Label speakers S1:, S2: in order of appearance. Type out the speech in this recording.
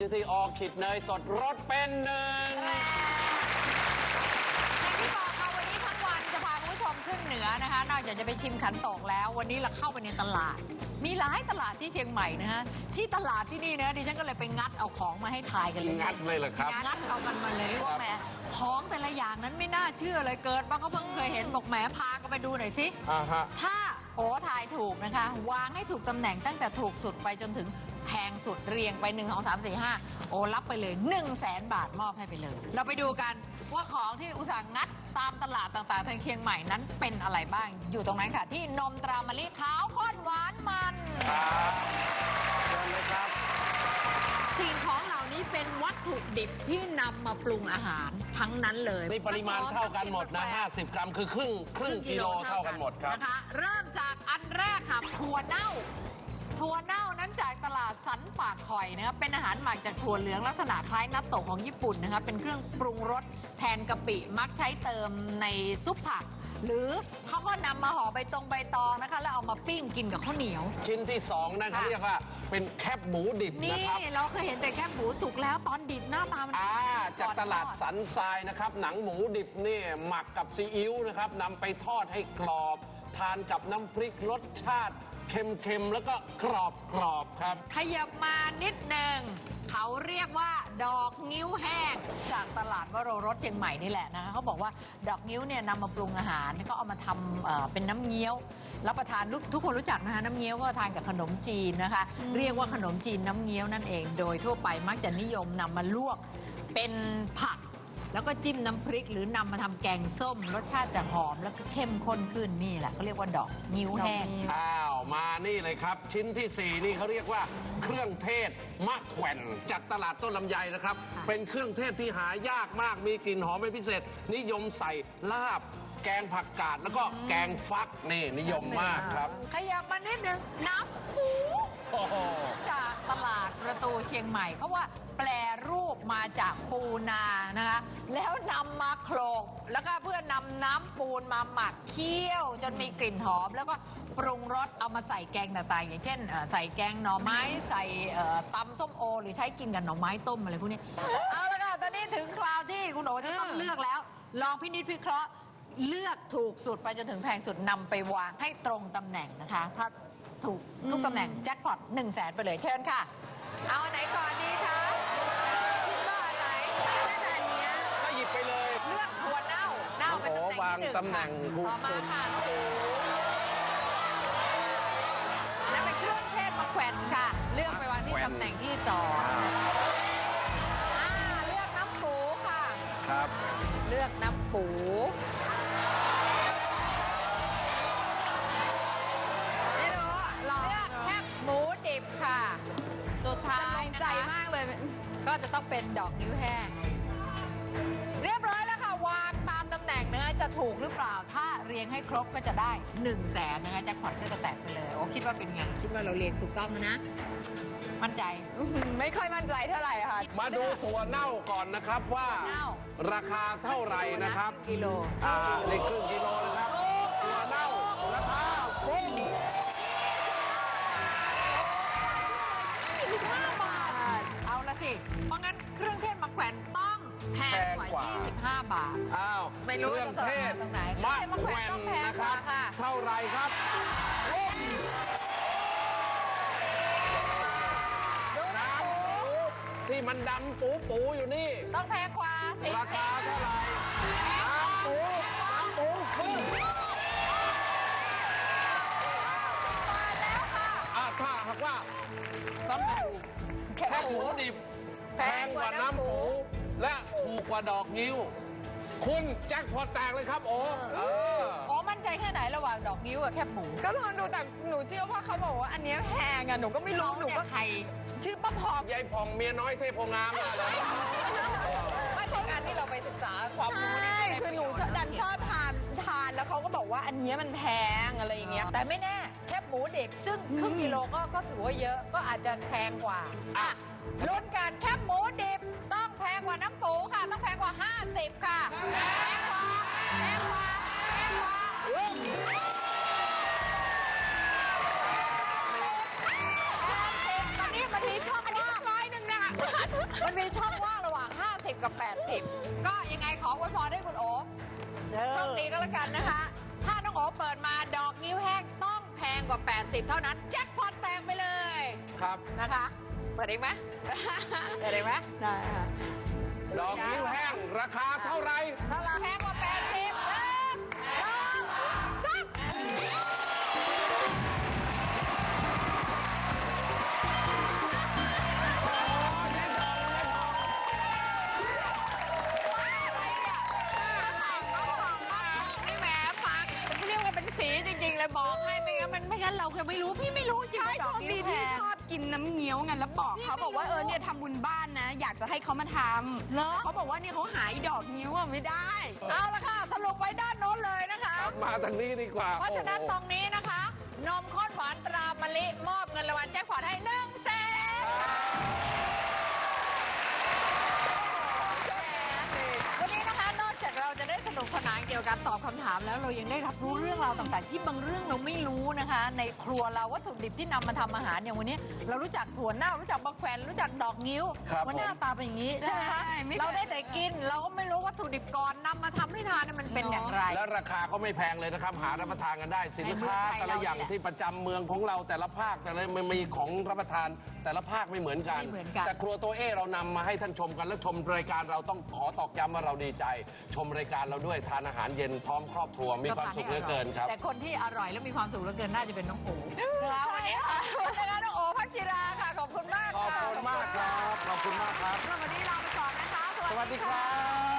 S1: ที่ออคิดเนยสดรสเป็นหนึ่ง
S2: อย่างที่บอกค่ะวันนี้ทั้งวันจะพาคุณผู้ชมขึ้นเหนือนะคะนอกจากจะไปชิมขันโตกแล้ววันนี้เราเข้าไปในตลาดมีหลายตลาดที่เชียงใหม่นะฮะที่ตลาดที่นี่นะดิฉันก็เลยไปงัดเอาของมาให้ทายกันเลย
S1: งัดเลยเหรอครับ
S2: งัดเอากันมาเลยว่าแหมของแต่ละอย่างนั้นไม่น่าเชื่อเลยเกิดมาก็เพิ่งเคยเห็นบอกแหมพากันไปดูหน่อยสิถ้าโอ้ทายถูกนะคะวางให้ถูกตำแหน่งตั้งแต่ถูกสุดไปจนถึงแพงสุดเรียงไป1 2 3 4 5โอ้รับไปเลย100,000 บาทมอบให้ไปเลยเราไปดูกันว่าของที่อุตสาหงัดตามตลาดต่างๆทางเชียงใหม่นั้นเป็นอะไรบ้างอยู่ตรงนั้นค่ะที่นมตรามะลิขาวข้นหวานมัน
S1: เชิญเลยครับ
S2: สิ่งของเหล่านี้เป็นวัตถุดิบที่นำมาปรุงอาหารทั้งนั้นเลย
S1: นี่ปริมาณเท่ากันหมดนะ50 กรัมคือครึ่งกิโลเท่ากันหมดครับ
S2: นะคะเริ่มจากอันแรกค่ะถั่วเน่านั้นจากตลาดสันปากคอยนะครับเป็นอาหารหมักจากถั่วเหลืองลักษณะคล้ายนัตโตะของญี่ปุ่นนะครับเป็นเครื่องปรุงรสแทนกะปิมักใช้เติมในซุปผักหรือเขาก็นำมาห่อใบตองนะคะแล้วเอามาปิ้งกินกับข้าวเหนียว
S1: ชิ้นที่2นะเขาเรียกว่าเป็นแคบหมูดิบนะครับ
S2: นี่เราเคยเห็นแต่แคบหมูสุกแล้วตอนดิบหน้าตามัน
S1: จากตลาดสันทรายนะครับหนังหมูดิบนี่หมักกับซีอิ๊วนะครับนำไปทอดให้กรอบทานกับน้ำพริกรสชาติเค็มๆแล้วก็กรอบครับ
S2: ขยับมานิดหนึ่งเขาเรียกว่าดอกงิ้วแห้งจากตลาดวโรรสเชียงใหม่นี่แหละนะคะเขาบอกว่าดอกงิ้วเนี่ยนำมาปรุงอาหารเขาเอามาทำเป็นน้ำเงี้ยวรับประทานทุกคนรู้จักนะคะน้ำเงี้ยวก็ทานกับขนมจีนนะคะเรียกว่าขนมจีนน้ำเงี้ยวนั่นเองโดยทั่วไปมักจะนิยมนำมาลวกเป็นผักแล้วก็จิ้มน้ำพริกหรือนำมาทำแกงส้มรสชาติจะหอมแล้วก็เข้มข้นขึ้นนี่แหละเขาเรียกว่าดอกงิ้วแห้ง
S1: มานี่เลยครับชิ้นที่4นี่เขาเรียกว่าเครื่องเทศมะแขวนจากตลาดต้นลำไยนะครับเป็นเครื่องเทศที่หายากมากมีกลิ่นหอมเป็นพิเศษนิยมใส่ลาบแกงผักกาดแล้วก็แกงฟักนี่นิยมมากครับ
S2: ขยับมานิดนึงน้ำปูจากตลาดประตูเชียงใหม่เขาว่าแปลรูปมาจากปูนานะคะแล้วนำมาโขลกแล้วก็เพื่อนำน้ำปูนมาหมักเคี่ยวจนมีกลิ่นหอมแล้วก็ปรุงรสเอามาใส่แกงต่างๆอย่างเช่นใส่แกงหน่อไม้ใส่ตำส้มโอหรือใช้กินกับหน่อไม้ต้มอะไรพวกนี้เอาละค่ะตอนนี้ถึงคราวที่คุณโอจะต้องเลือกแล้วลองพินิจพิเคราะห์เลือกถูกสุดไปจนถึงแพงสุดนำไปวางให้ตรงตำแหน่งนะคะถ้าถูกทุกตำแหน่งแจ็คพอต100,000ไปเลยเชิญค่ะเอาอันไหนก่อนดีคะคิดว่าอันไหนน่าจะอันนี้
S1: ก็หยิบไปเลย
S2: เลือกถั่วเน่าเป็นตำแหน่งที่1
S1: ตำแหน่ง
S2: ถูกมาค่ะแล้วเป็นเครื่องเทศมะแขวนค่ะเลือกไปวางที่ตำแหน่งที่2เลือกน้ำปูค่ะ
S1: ครับ
S2: เลือกน้ำปูหมูดิบค่ะสุดท้ายนะคะใจมากเลยก็จะต้องเป็นดอกนิ้วแห้งเรียบร้อยแล้วค่ะวางตามตำแหน่งนะคะจะถูกหรือเปล่าถ้าเรียงให้ครบก็จะได้100,000นะคะแจ็คพอตก็จะแตกไปเลยโอ้คิดว่าเป็นไงคิดว่าเราเรียงถูกต้องนะมั่นใจ
S3: ไม่ค่อยมั่นใจเท่าไหร่ค่ะ
S1: มาดูถั่วเน่าก่อนนะครับว่าราคาเท่าไหร่นะครับ
S2: กิโล
S1: ในครึ่งกิโลนะครับถั่วเน่าราคา
S2: 15 บาทเอาละสิเพราะงั้นเครื่องเทศมะแขวนต้องแพงกว่า25 บาท
S1: ไม่รู้เครื่องเทศ
S2: ตรงไหน
S1: มะแขวนนะครับเท่าไรครับที่มันดำปูอยู่นี่
S2: ต้องแพงกว่า
S1: ราคาเท่าไหร่ปู
S2: แล้วค่ะ
S1: ถ้าหากว่าตำแหน่งแค่หมูดิบแพงกว่าน้ำปูและถูกกว่าดอกงิ้วคุณแจ็คพอตแตกเลยครับโอ้
S2: มั่นใจแค่ไหนระหว่างดอกงิ้วกับแคบหมู
S3: ก็ลองดูแต่หนูเชื่อว่าเขาบอกว่าอันนี้แพงอ่ะหนูก็ไม่รู้หนูก็
S2: ใคร
S3: ชื่อป้าพอง
S1: ยายผ่องเมียน้อยเทพโพงามเลย
S2: ไม่ใช่การที่เราไปศึกษาความรู้
S3: นี่คือหนูดันชอบทานแล้วเขาก็บอกว่าอันนี้มันแพงอะไรอย่างเงี้ย
S2: แต่ไม่แน่แคบหมูดิบซึ่งครึ่งกิโลก็ถือว่าเยอะก็อาจจะแพงกว่าลุ้นกันแคบหมูดิบต้องแพงกว่าน้ำปูค่ะต้องแพงกว่า50ค่ะแพงกว่าตอนนี้ชอบมาก
S3: 100นะ
S2: มันมีช่องว่างระหว่าง 50 กับ 80 ก็ยังไงขออวยพรให้คุณโอโชคดีก็แล้วกันนะคะ ถ้าน้องโอเปิดมาดอกนิ้วแห้งต้องแพงกว่า 80 เท่านั้นแจ็คพอตแตกไปเลย
S1: ครับ
S2: นะคะ เปิดเองไหม เปิดเองไหม
S3: ได้ค่ะ
S1: ดอกนิ้วแห้งราคาเท่าไหร่
S2: ถ้าเราแพงกว่า 80เลยบอกให้ไม่งั้นมันไม่งั้นเราจะไม่รู้พี่ไม่รู้จริง
S3: ใช่โชคดีที่ชอบกินน้ำเงี้ยวไงแล้วบอกเขาบอกว่าเนี่ยทำบุญบ้านนะ อยากจะให้เขามาทำ
S2: เหรอ
S3: เขาบอกว่าเนี่ยเขาหาดอกนิ้วอะไม่ได้
S2: เอาละค่ะสรุปไว้ด้านโน้นเลยนะคะ
S1: ครับมาทางนี้ดีกว่า
S2: เพราะฉะนั้น
S1: โอ้
S2: ต
S1: โห
S2: รงนี้นะคะ นมข้นหวานตรามะลิมอบเงินรางวัลแจ็คพอตให้100,000วันนี้นะคะนอกจากเราจะได้สนุกสนานเกี่ยวกับการตอบคำถามแล้วเรายังได้รับรู้เรื่องราวต่างๆ ที่บางเรื่องเราไม่รู้นะคะ ในครัวเราวัตถุดิบที่นำมาทำอาหารอย่างวันนี้ เรารู้จักถั่วเน่ารู้จักมะแขวนรู้จักดอกงิ้ว
S1: ครับ
S2: ว่าหน้าตาเป็นอย่างนี้ใช่ไหมคะ
S3: ใช่ไม่เคย
S2: เราได้แต่กินเราก็ไม่รู้วัตถุดิบก่อนนำมาทำให้ทานเนี่ยมันเป็นอย่างไร
S1: และราคาก็ไม่แพงเลยนะครับ หารับประทานกันได้สินค้า
S2: ในเมืองไทย
S1: แต่ละอย่าง
S2: เราเนี่ย
S1: ที่ประจำเมืองของเราแต่ละภาคแต่ละมันมีของรับประทานแต่ละภาคไม่เหมือนกัน
S2: ไม่เหมือนกัน
S1: แต่ครัวตัวเอเรานำมาให้ท่านชมกันและชมรายการเราต้องขอตอกย้ำว่าเราดีใจ ชมรายการเราด้วยทานอาหารเย็นพร้อมครอบครัวมีความสุขเหลือเกินครับ
S2: แต่คนที่อร่อยและมีความสุขเหลือเกินน่าจะเป็นน้องโอ๋นะคะวันนี้ขอบคุณนะคะน้องโอ๋พักจิราค่ะขอบคุณมาก
S1: ขอบ
S2: ค่ะ
S1: คุณมากครับ ขอบคุณมากครับ
S2: วันนี้ลาไปก่อนนะคะ
S1: สวัสดีครับ